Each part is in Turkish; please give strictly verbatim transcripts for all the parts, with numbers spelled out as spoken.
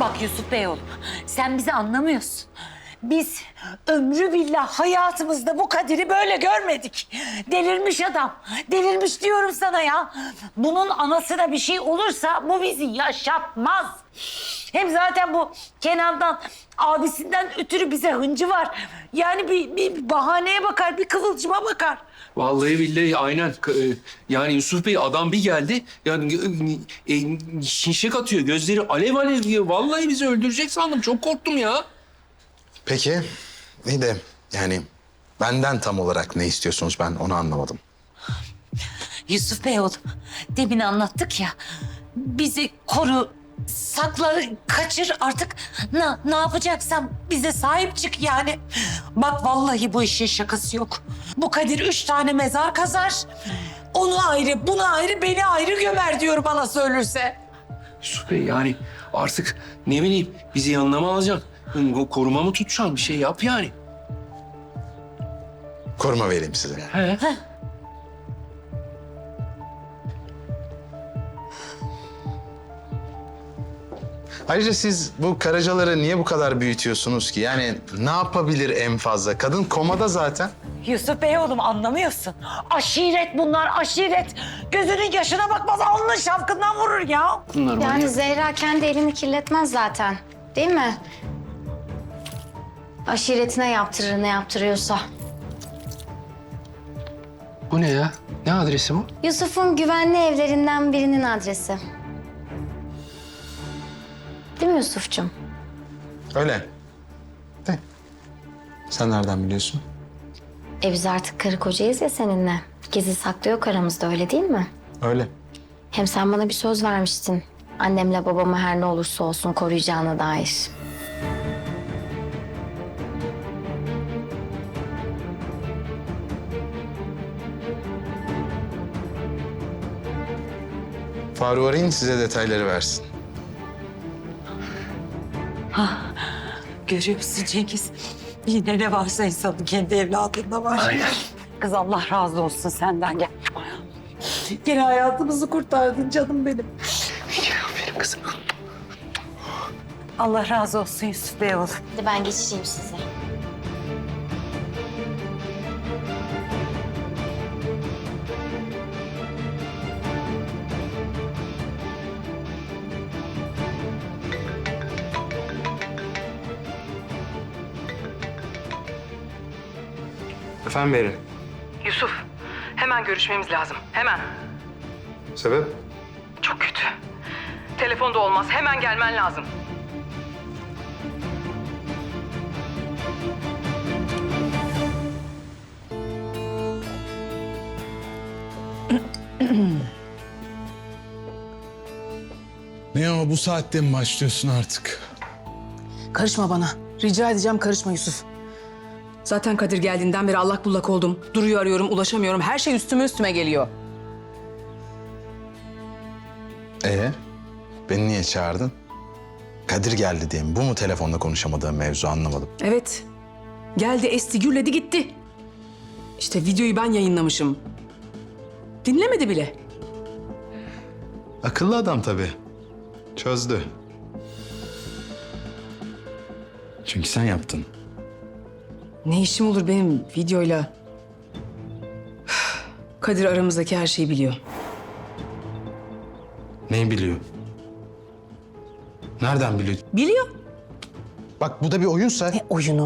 Bak Yusuf Bey oğlum, sen bizi anlamıyorsun. Biz ömrü billah hayatımızda bu Kadir'i böyle görmedik. Delirmiş adam. Delirmiş diyorum sana ya. Bunun anasına bir şey olursa bu bizi yaşatmaz. Hem zaten bu Kenan'dan, abisinden ötürü bize hıncı var. Yani bir, bir bahaneye bakar, bir kıvılcıma bakar. Vallahi billahi aynen. K- e, Yani Yusuf Bey adam bir geldi. Yani e, e, şimşek atıyor. Gözleri alev alev diyor. Vallahi bizi öldürecek sandım. Çok korktum ya. Peki, iyi de yani benden tam olarak ne istiyorsunuz ben onu anlamadım. Yusuf Bey oğlum, demin anlattık ya. Bizi koru, sakla, kaçır artık. Ne, ne yapacaksan bize sahip çık yani. Bak vallahi bu işin şakası yok. Bu Kadir üç tane mezar kazar. Onu ayrı, bunu ayrı, beni ayrı gömer diyor bana söylürse. Yusuf Bey yani artık ne bileyim bizi yanına mı alacaksın? O koruma mı tutacaksın? Bir şey yap yani. Koruma vereyim size. He. Ayrıca siz bu Karacaları niye bu kadar büyütüyorsunuz ki? Yani ne yapabilir en fazla? Kadın komada zaten. Yusuf Bey oğlum anlamıyorsun. Aşiret bunlar, aşiret. Gözünün yaşına bakmaz, alnının şapkından vurur ya. Bunlar var Yani ya. Zehra kendi elini kirletmez zaten. Değil mi? Aşiretine yaptırır ne yaptırıyorsa. Bu ne ya? Ne adresi bu? Yusuf'un güvenli evlerinden birinin adresi. Değil mi Yusuf'cum? Öyle. De. Sen nereden biliyorsun? E biz artık karı kocayız ya seninle. Gizli saklı yok aramızda, öyle değil mi? Öyle. Hem sen bana bir söz vermiştin. Annemle babamı her ne olursa olsun koruyacağına dair. Faruk arayın size detayları versin. Görüyor musun Cengiz? Yine ne varsa insanın kendi evladında var. Aynen. Kız Allah razı olsun senden gel. Gene hayatımızı kurtardın canım benim. Aferin kızım. Allah razı olsun Yusuf Bey oğlum. Hadi ben geçireyim size. Efendim verin. Yusuf, hemen görüşmemiz lazım. Hemen. Sebep? Çok kötü. Telefonda olmaz. Hemen gelmen lazım. Ne o bu saatte mi başlıyorsun artık? Karışma bana. Rica edeceğim karışma Yusuf. Zaten Kadir geldiğinden beri allak bullak oldum. Duru'yu arıyorum, ulaşamıyorum. Her şey üstüme üstüme geliyor. Ee, beni niye çağırdın? Kadir geldi diye mi? Bu mu telefonda konuşamadığım mevzu anlamadım. Evet. Geldi, esti, gürledi, gitti. İşte videoyu ben yayınlamışım. Dinlemedi bile. Akıllı adam tabii. Çözdü. Çünkü sen yaptın. Ne işim olur benim videoyla? Kadir aramızdaki her şeyi biliyor. Neyi biliyor? Nereden biliyor? Biliyor. Bak bu da bir oyunsa... Ne oyunu?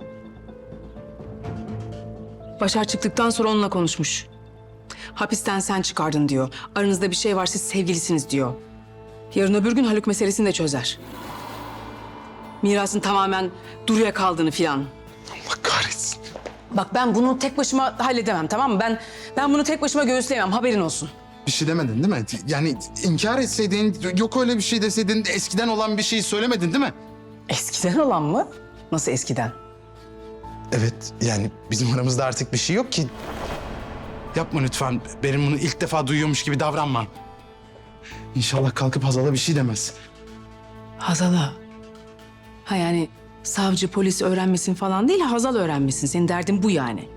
Başar çıktıktan sonra onunla konuşmuş. Hapisten sen çıkardın diyor. Aranızda bir şey var, siz sevgilisiniz diyor. Yarın öbür gün Haluk meselesini de çözer. Mirasın tamamen Duru'ya kaldığını filan. Allah kahretsin. Bak ben bunu tek başıma halledemem, tamam mı? Ben ben bunu tek başıma göğüsleyemem, haberin olsun. Bir şey demedin değil mi? Yani inkar etseydin, yok öyle bir şey deseydin, eskiden olan bir şeyi söylemedin değil mi? Eskiden olan mı? Nasıl eskiden? Evet, yani bizim aramızda artık bir şey yok ki. Yapma lütfen. Benim bunu ilk defa duyuyormuş gibi davranma. İnşallah kalkıp Hazal'a bir şey demez. Hazal'a. Ha yani savcı, polis öğrenmesin falan değil, Hazal öğrenmesin. Senin derdin bu yani.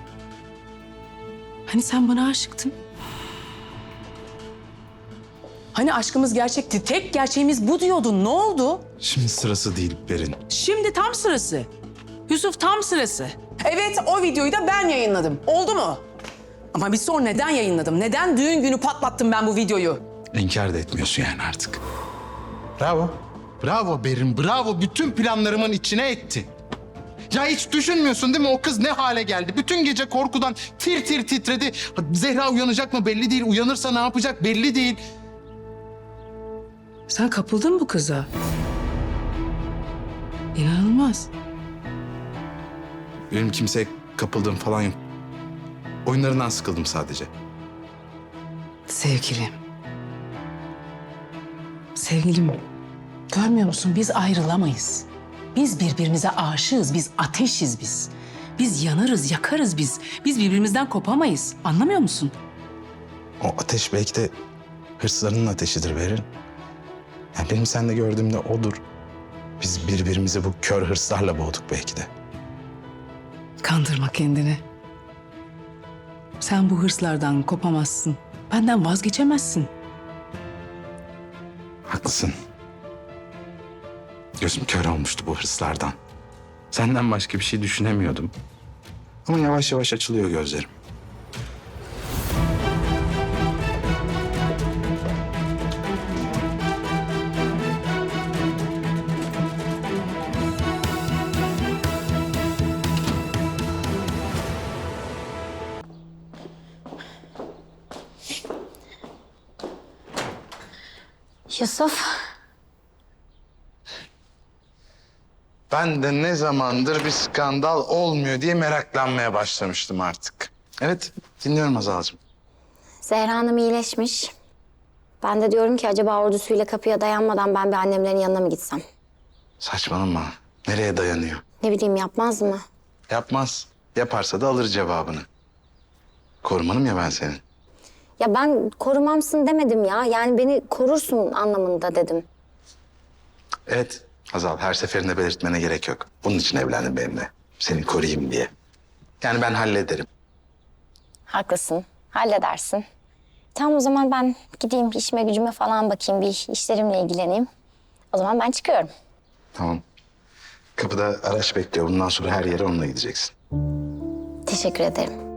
Hani sen bana aşıktın? Hani aşkımız gerçekti, tek gerçeğimiz bu diyordun. Ne oldu? Şimdi sırası değil Berin. Şimdi tam sırası. Yusuf tam sırası. Evet, o videoyu da ben yayınladım. Oldu mu? Ama bir sor, neden yayınladım? Neden düğün günü patlattım ben bu videoyu? İnkar da etmiyorsun yani artık. Bravo. Bravo Berin, bravo. Bütün planlarımın içine etti. Ya hiç düşünmüyorsun değil mi? O kız ne hale geldi? Bütün gece korkudan tir tir titredi. Zehra uyanacak mı belli değil. Uyanırsa ne yapacak belli değil. Sen kapıldın bu kıza. İnanılmaz. Benim kimseye kapıldığım falan yok. Oyunlarından sıkıldım sadece. Sevgilim. Sevgilim. Görmüyor musun? Biz ayrılamayız. Biz birbirimize aşığız. Biz ateşiz biz. Biz yanarız, yakarız biz. Biz birbirimizden kopamayız. Anlamıyor musun? O ateş belki de hırslarının ateşidir Berin. Yani benim sende gördüğümde odur. Biz birbirimizi bu kör hırslarla boğduk belki de. Kandırma kendini. Sen bu hırslardan kopamazsın. Benden vazgeçemezsin. Haklısın. Gözüm kör olmuştu bu hırslardan. Senden başka bir şey düşünemiyordum. Ama yavaş yavaş açılıyor gözlerim. Yusuf, Ben de ne zamandır bir skandal olmuyor diye meraklanmaya başlamıştım artık. Evet, dinliyorum Hazal'cığım. Zehra Hanım iyileşmiş. Ben de diyorum ki acaba ordusuyla kapıya dayanmadan ben bir annemlerin yanına mı gitsem? Saçmalama. Nereye dayanıyor? Ne bileyim, yapmaz mı? Yapmaz. Yaparsa da alır cevabını. Korumanım ya ben senin. Ya ben korumamsın demedim ya. Yani beni korursun anlamında dedim. Evet Hazal, her seferinde belirtmene gerek yok. Bunun için evlendim benimle. Seni koruyayım diye. Yani ben hallederim. Haklısın. Halledersin. Tamam, o zaman ben gideyim işime gücüme falan bakayım. Bir işlerimle ilgileneyim. O zaman ben çıkıyorum. Tamam. Kapıda araç bekliyor. Bundan sonra her yere onunla gideceksin. Teşekkür ederim.